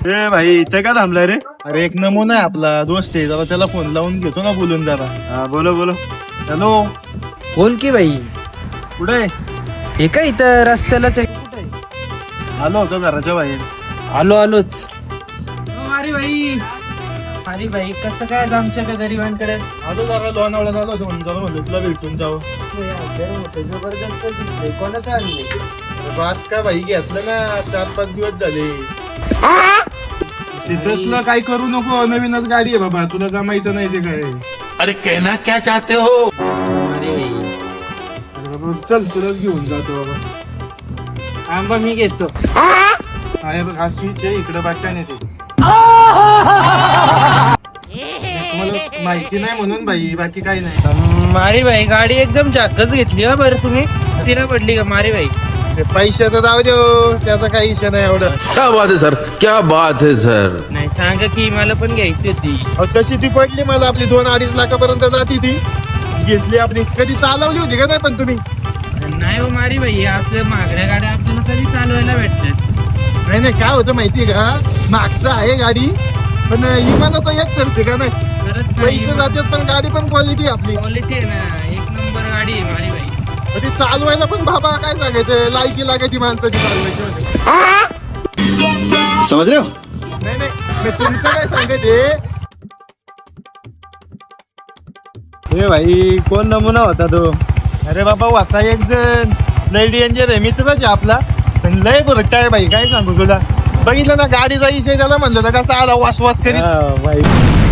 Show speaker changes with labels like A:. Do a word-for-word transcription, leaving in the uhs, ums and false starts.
A: ए भाई इथे का थांबलाय रे?
B: अरे एक नमुना आहे आपला दोस्त आहे, जरा त्याला फोन लावून घेतो ना बोलून जरा.
A: हा बोलो बोलो.
B: हॅलो,
C: बोल की बाई.
B: कुठे आहे?
C: हे काय इथं रस्त्यालाच आहे. कुठे आहे?
B: आलो होतो घराच्या बाहेर.
C: आलो आलोच. अरे भाई अरे भाई कसं काय आमच्या का गरिबांकडे
B: आलो जरा लोणावळ्यात आलो होतो, जरा म्हणलं तुला भेटून जावं.
C: जबरदस्त दिसतंय. कोणाचं आणले?
B: बास का भाई, घेतलं ना, चार पाच दिवस झाले. तिथंच काय करू नको, नवीनच गाडी आहे बाबा, तुला जमायचं नाही ते काय.
D: अरे कहना क्या चाहते हो?
C: अरे भाई
B: अरे बाबा चल, तुलाच घेऊन जातो बाबा.
C: आंबा मी घेतो.
B: आहे बघ, हा स्विच आहे इकडं, बाकी काय नाही ते. मला माहिती नाही म्हणून भाई, बाकी काही नाही.
C: मारी भाई गाडी एकदम जाकच घेतली हा बरं तुम्ही. तिला पडली का मारी भाई?
B: पैसे तर जाऊ देऊ, त्याचा काही इशा नाही एवढं.
D: क्या बात है सर, क्या बात है सर.
C: नाही सांगा की मला पण घ्यायची होती.
B: अहो, कशी ती पडली मला, आपली दोन अडीच लाखापर्यंत जाती ती. घेतली आपली, कधी चालवली होती का नाही पण तुम्ही?
C: नाही हो मारी भाई, आपल्या मागड्या गाड्या आपल्याला कधी चालवायला भेटतात.
B: नाही नाही, काय होतं माहितीये का, मागचं आहे गाडी पण इमानाचं एक ठरते का नाही.
C: खरंच
B: पैसे जातात पण गाडी पण क्वालिटी आपली.
C: क्वालिटी आहे ना, एक नंबर गाडी आहे मारी भाई.
B: ती चालवायला पण बाबा काय सांगायचं, लायकी लागायची माणसाची चालवायची.
A: समज रे हो?
B: नाही नाही, मी तुमचं काय सांगायचे.
A: ए भाई कोण नमुना होता तो?
B: अरे बाबा होता एक जण, लय डेंजर आहे, मित्रच आहे आपला, पण लय बुरट्टा आहे भाई, काय सांगू तुला. बघितलं ना गाडीचा विषय, त्याला म्हणलं ना कसा आला वास वास करीत.
A: हा, भाई